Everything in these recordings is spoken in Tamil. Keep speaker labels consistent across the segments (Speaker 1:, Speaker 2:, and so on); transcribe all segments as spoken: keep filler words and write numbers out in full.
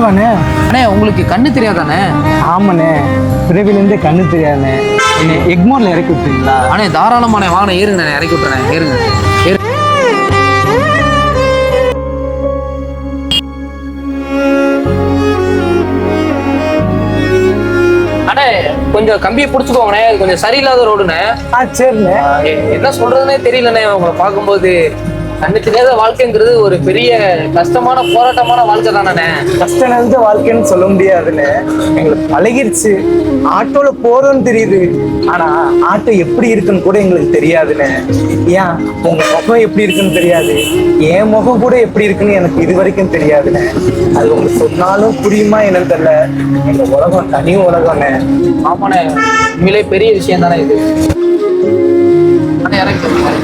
Speaker 1: நிஜமாவாண்ணே?
Speaker 2: அண்ணே உங்களுக்கு கண்ணு தெரியாதானே?
Speaker 1: ஆமாண்ணே, பிறவிலேருந்தே கண்ணு தெரியாதுண்ணே. என்னை எக்மோரில் இறக்கி விட்டுறீங்களா?
Speaker 2: அண்ணே தாராளமாண்ணே, வாங்கண்ணே, ஏறுங்க, இறக்கி விட்டுறேன், ஏறுங்க ஏறு. அண்ணே கொஞ்சம் கம்பியை பிடிச்சிக்கோங்கண்ணே, இது கொஞ்சம் சரியில்லாத ரோடுண்ணே.
Speaker 1: ஆ சரிண்ணே.
Speaker 2: எ- என்ன சொல்றதுன்னே தெரியலண்ணே. உங்களை பார்க்கும்போது கண்ணு தெரியாத வாழ்க்கைங்கிறது ஒரு பெரிய கஷ்டமான போராட்டமான வாழ்க்கை தானே.
Speaker 1: கஷ்டம் நிறைந்த வாழ்க்கைன்னு சொல்ல முடியாதுண்ணே. எங்களுக்கு பழகிருச்சு. ஆட்டோல போறோம்னு தெரியுது, ஆனா ஆட்டோ எப்படி இருக்குன்னு கூட எங்களுக்கு தெரியாதுண்ணே. ஏன் உங்க முகம் எப்படி இருக்குன்னு தெரியாது, என் முகம் கூட எப்படி இருக்குன்னு எனக்கு இது வரைக்கும் தெரியாதுண்ணே. அது உங்களுக்கு சொன்னாலும் புரியுமா என்னன்னு தெரியல. எங்க உலகம் தனி உலகம்ண்ணே.
Speaker 2: ஆமாண்ணே, உண்மையிலே பெரிய விஷயம் தானே இது. அண்ணே இறக்கி விட்டுருங்க.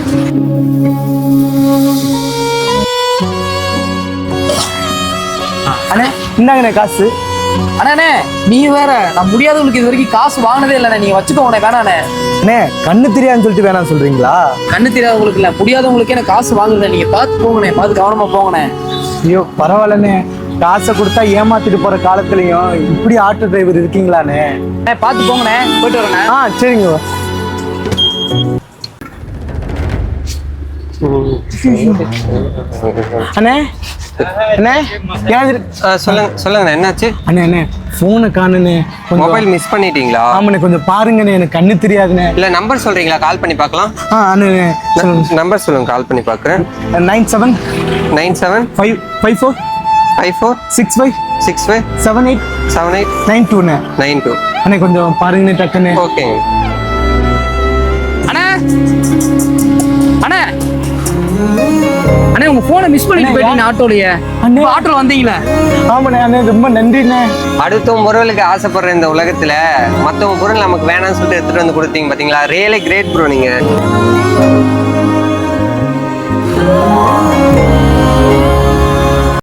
Speaker 1: அண்ணே இந்தாங்கண்ணே காசு.
Speaker 2: அண்ணே நீ வேற, நான் முடியாதவங்களுக்கு இது வரைக்கும் காசு வாங்கினதே இல்லைண்ணே. நீங்க வச்சுக்கோங்கண்ணே, வேணாண்ணே.
Speaker 1: அண்ணே கண்ணு தெரியாதுன்னு சொல்லிட்டு வேணாம் சொல்றீங்களா?
Speaker 2: கண்ணு தெரியாதவங்களுக்கு இல்ல, முடியாதவங்களுக்கே எனக்கு காசு வாங்குறேன். நீங்க பார்த்து போங்கண்ணே, பார்த்து கவனமா போங்கண்ணே.
Speaker 1: ஐயோ பரவாயில்லண்ணே, காசை கொடுத்தா ஏமாத்திட்டு போற காலத்துலயும் இப்படி ஆட்டோ டிரைவர் இருக்கீங்களாண்ணே?
Speaker 2: அண்ணே பார்த்து போங்கண்ணே, போயிட்டு வரேண்ணே.
Speaker 1: ஆ சரிங்க. அண்ணே அண்ணே ஏன்
Speaker 3: ஆ, சொல்லுங்க சொல்லுங்கண்ணே, என்னாச்சு?
Speaker 1: அண்ணே அண்ணே ஃபோனை காணுண்ணே.
Speaker 3: மொபைல் மிஸ் பண்ணிட்டீங்களா?
Speaker 1: ஆமாண்ணே, கொஞ்சம் பாருங்கண்ணே, எனக்கு கண்ணு தெரியாதுண்ணே.
Speaker 3: இல்ல நம்பர் சொல்றீங்களா? கால் பண்ணி பார்க்கலாம்.
Speaker 1: ஆ அண்ணே சொல்லுங்க.
Speaker 3: நம்பர் சொல்லுங்க, கால் பண்ணி பார்க்குறேன்.
Speaker 1: Nine seven
Speaker 3: nine seven
Speaker 1: five five four
Speaker 3: five four
Speaker 1: six five
Speaker 3: six five
Speaker 1: seven eight
Speaker 3: seven eight
Speaker 1: nine டூண்ணே.
Speaker 3: Nine two.
Speaker 1: அண்ணே கொஞ்சம் பாருங்கண்ணே டக்குண்ணே.
Speaker 3: ஓகேங்க.
Speaker 2: அண்ணே அண்ணே அண்ணே உங்க போனை மிஸ் பண்ணிட்டு போயிட்டீங்க ஆட்டோலயே.
Speaker 1: அண்ணே.
Speaker 2: ஆட்டோல வந்தீங்களே.
Speaker 1: ஆமாண்ணே அண்ணே, ரொம்ப நன்றிண்ணே.
Speaker 3: அடுத்தவங்க பொருளுக்கு ஆசைப்படுற இந்த உலகத்துல மத்தவங்க பொருள் நமக்கு வேணாம்னு சொல்லிட்டு எடுத்துட்டு வந்து கொடுத்தீங்க பாத்தீங்களா? ரியலி கிரேட் ப்ரோ நீங்க.